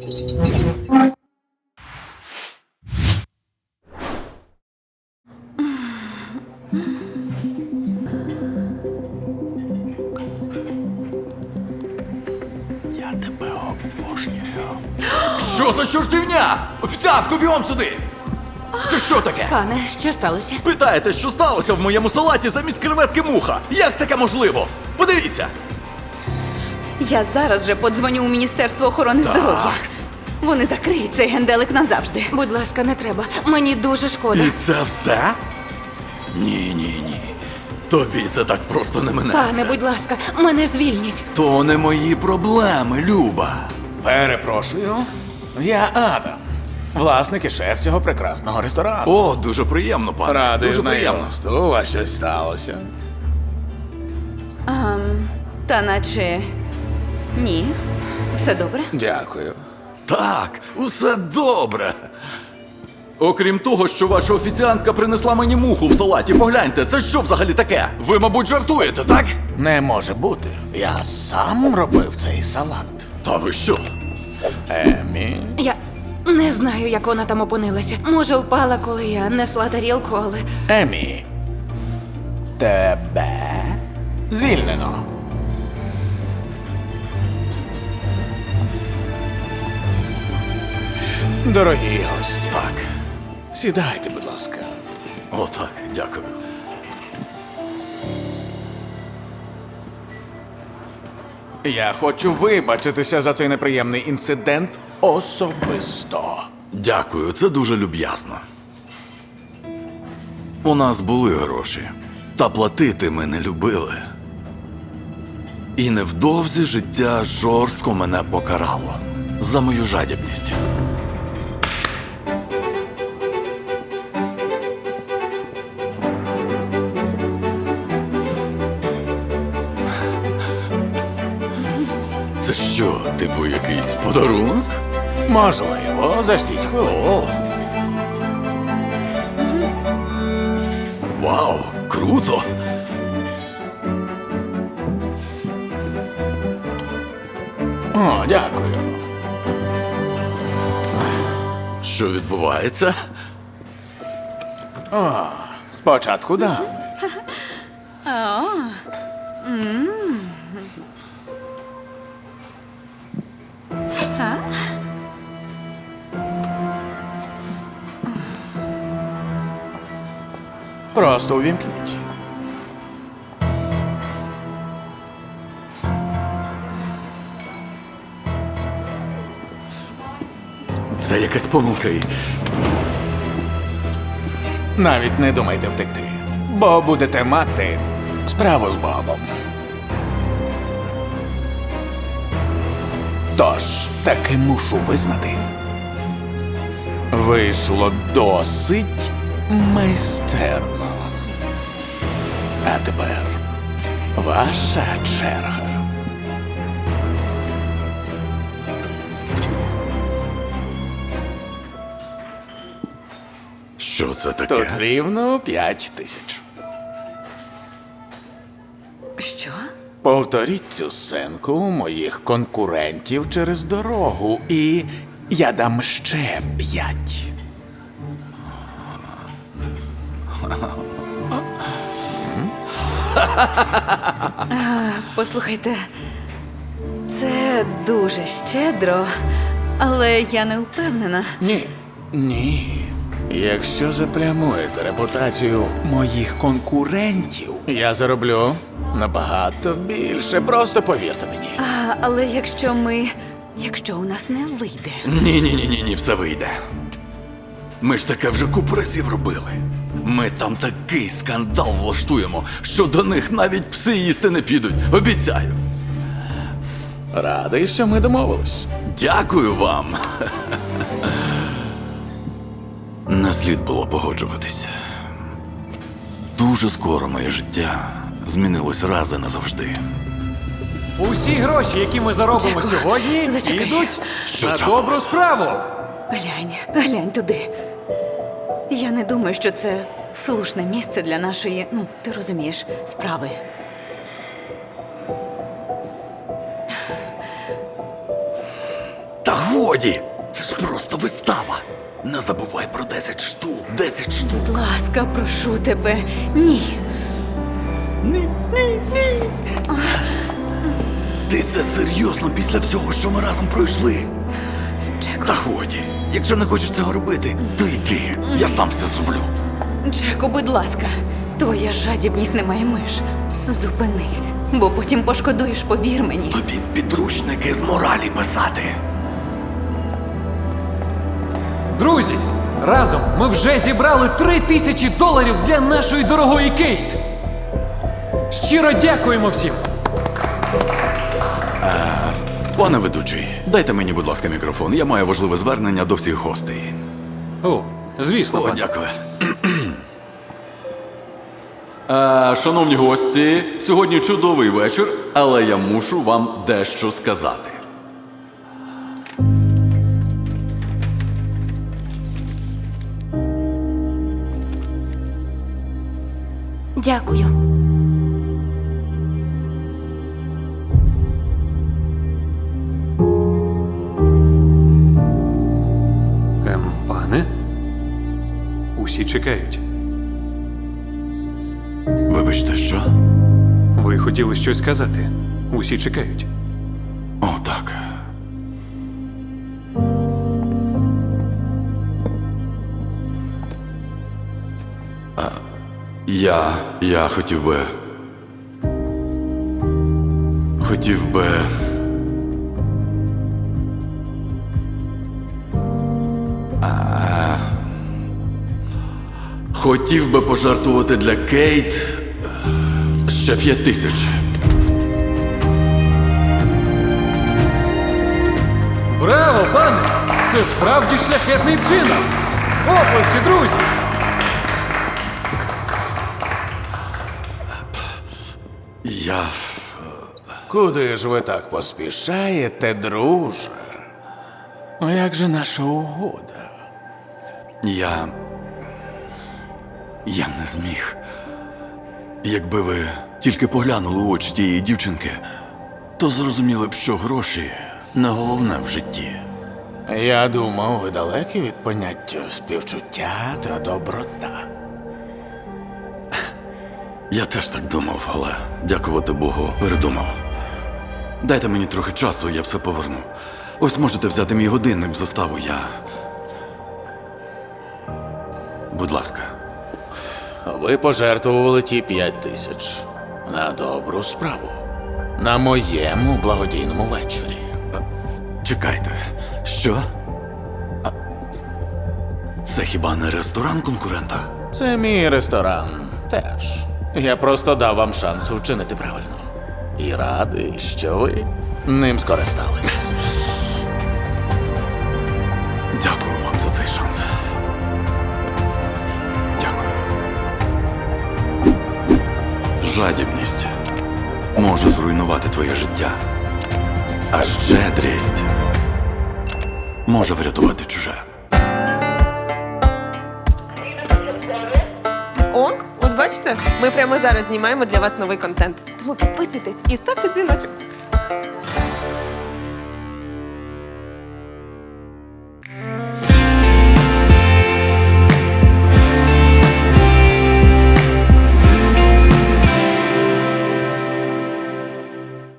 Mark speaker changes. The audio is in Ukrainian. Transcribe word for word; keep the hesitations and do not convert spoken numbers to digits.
Speaker 1: Я тебе обожнюю. Що за чортівня? Офіціантку, бігом сюди! Це що таке?
Speaker 2: Пане, що сталося?
Speaker 1: Питаєте, що сталося в моєму салаті замість креветки муха? Як таке можливо? Подивіться!
Speaker 3: Я зараз же подзвоню у Міністерство охорони здоров'я. Вони закриють цей генделик назавжди.
Speaker 2: Будь ласка, не треба. Мені дуже шкода.
Speaker 1: І це все? Ні, ні, ні. Тобі це так просто не минеться.
Speaker 2: Пане, будь ласка, мене звільніть.
Speaker 1: То не мої проблеми, Люба.
Speaker 4: Перепрошую, я Адам, власник і шеф цього прекрасного ресторану.
Speaker 1: О, дуже приємно, пане.
Speaker 4: Радий
Speaker 1: дуже приємно.
Speaker 4: знайомству, у вас щось сталося.
Speaker 3: Ам, та наче ні. Все добре?
Speaker 4: Дякую.
Speaker 1: Так, усе добре. Окрім того, що ваша офіціантка принесла мені муху в салаті, погляньте, це що взагалі таке? Ви, мабуть, жартуєте, так?
Speaker 4: Не може бути. Я сам робив цей салат.
Speaker 1: Та ви що?
Speaker 4: Емі.
Speaker 2: Я не знаю, як вона там опинилася. Може, впала, коли я несла тарілку, але
Speaker 4: Емі. Тебе звільнено. Дорогі гості.
Speaker 1: Так.
Speaker 4: Сідайте, будь ласка.
Speaker 1: О, так, дякую.
Speaker 4: Я хочу вибачитися за цей неприємний інцидент особисто.
Speaker 1: Дякую, це дуже люб'язно. У нас були гроші, та платити ми не любили. І невдовзі життя жорстко мене покарало за мою жадібність. Це що, типу якийсь подарунок?
Speaker 4: Можливо, заждіть хвилину.
Speaker 1: О! Вау, круто!
Speaker 4: О, дякую.
Speaker 1: Що відбувається?
Speaker 4: Спочатку дам. Просто увімкніть.
Speaker 1: Це якась помилка і...
Speaker 4: Навіть не думайте втекти, бо будете мати справу з Бобом. Тож, таки мушу визнати. Вийшло досить майстерно. А тепер ваша черга.
Speaker 1: Що це таке?
Speaker 4: Тут рівно п'ять тисяч.
Speaker 3: Що?
Speaker 4: Повторіть цю сценку у моїх конкурентів через дорогу, і я дам ще п'ять.
Speaker 3: Послухайте, це дуже щедро, але я не впевнена.
Speaker 4: Ні, ні. Якщо заплямуєте репутацію моїх конкурентів, я зароблю набагато більше. Просто повірте мені.
Speaker 3: А, але якщо ми. Якщо у нас не вийде.
Speaker 1: Ні-ні-ні-ні, все вийде. Ми ж таке вже купу разів робили. Ми там такий скандал влаштуємо, що до них навіть пси їсти не підуть. Обіцяю.
Speaker 4: Радий, що ми домовились.
Speaker 1: Дякую вам. Не слід було погоджуватись. Дуже скоро моє життя змінилось раз і назавжди.
Speaker 5: Усі гроші, які ми заробимо
Speaker 3: Дякую.
Speaker 5: сьогодні,
Speaker 3: Зачекай.
Speaker 5: йдуть
Speaker 1: Що
Speaker 5: на
Speaker 1: трапилось?
Speaker 5: добру справу.
Speaker 3: Глянь, глянь туди. Я не думаю, що це слушне місце для нашої, ну, ти розумієш, справи.
Speaker 1: Та годі! Це ж просто вистава. Не забувай про десять штук. десять штук.
Speaker 3: Будь ласка, прошу тебе. Ні.
Speaker 1: Ні, ні, ні. Ти це серйозно після всього, що ми разом пройшли?
Speaker 3: Джеку,
Speaker 1: Та годі. Якщо не хочеш цього робити, то йди. Я сам все зроблю.
Speaker 3: Джеку, будь ласка, твоя жадібність не має меж. Зупинись, бо потім пошкодуєш, повір мені.
Speaker 1: Тобі підручники з моралі писати.
Speaker 5: Друзі, разом ми вже зібрали три тисячі доларів для нашої дорогої Кейт. Щиро дякуємо всім.
Speaker 1: Пане ведучий, дайте мені, будь ласка, мікрофон. Я маю важливе звернення до всіх гостей.
Speaker 5: О, звісно,
Speaker 1: О,
Speaker 5: пане.
Speaker 1: дякую. Е, шановні гості, сьогодні чудовий вечір, але я мушу вам дещо сказати.
Speaker 2: Дякую.
Speaker 5: Ем, пане? Усі чекають.
Speaker 1: Вибачте, що?
Speaker 5: Ви хотіли щось сказати. Усі чекають.
Speaker 1: О, так. А, я. я хотів би. Хотів би. А, хотів би пожертвувати для Кейт е, ще п'ять тисяч.
Speaker 5: Браво, пане! Це справді шляхетний вчинок! Оплески, друзі!
Speaker 1: Я.
Speaker 4: Куди ж ви так поспішаєте, друже? Ну, як же наша угода?
Speaker 1: Я. Я не зміг. Якби ви тільки поглянули у очі тієї дівчинки, то зрозуміли б, що гроші не головне в житті.
Speaker 4: Я думав, ви далекі від поняття співчуття та доброта.
Speaker 1: Я теж так думав, але, дякувати Богу, передумав. Дайте мені трохи часу, я все поверну. Ось можете взяти мій годинник в заставу, я. Будь ласка.
Speaker 4: Ви пожертвували ті п'ять тисяч на добру справу. На моєму благодійному вечорі.
Speaker 1: Чекайте, що? А, це хіба не ресторан конкурента?
Speaker 4: Це мій ресторан теж. Я просто дав вам шанс вчинити правильно. І радий, що ви ним скористались.
Speaker 1: Дякую вам за цей шанс. Дякую. Жадібність може зруйнувати твоє життя, а щедрість може врятувати чуже.
Speaker 6: О, от бачите, ми прямо зараз знімаємо для вас новий контент. Тому підписуйтесь і ставте дзвіночок.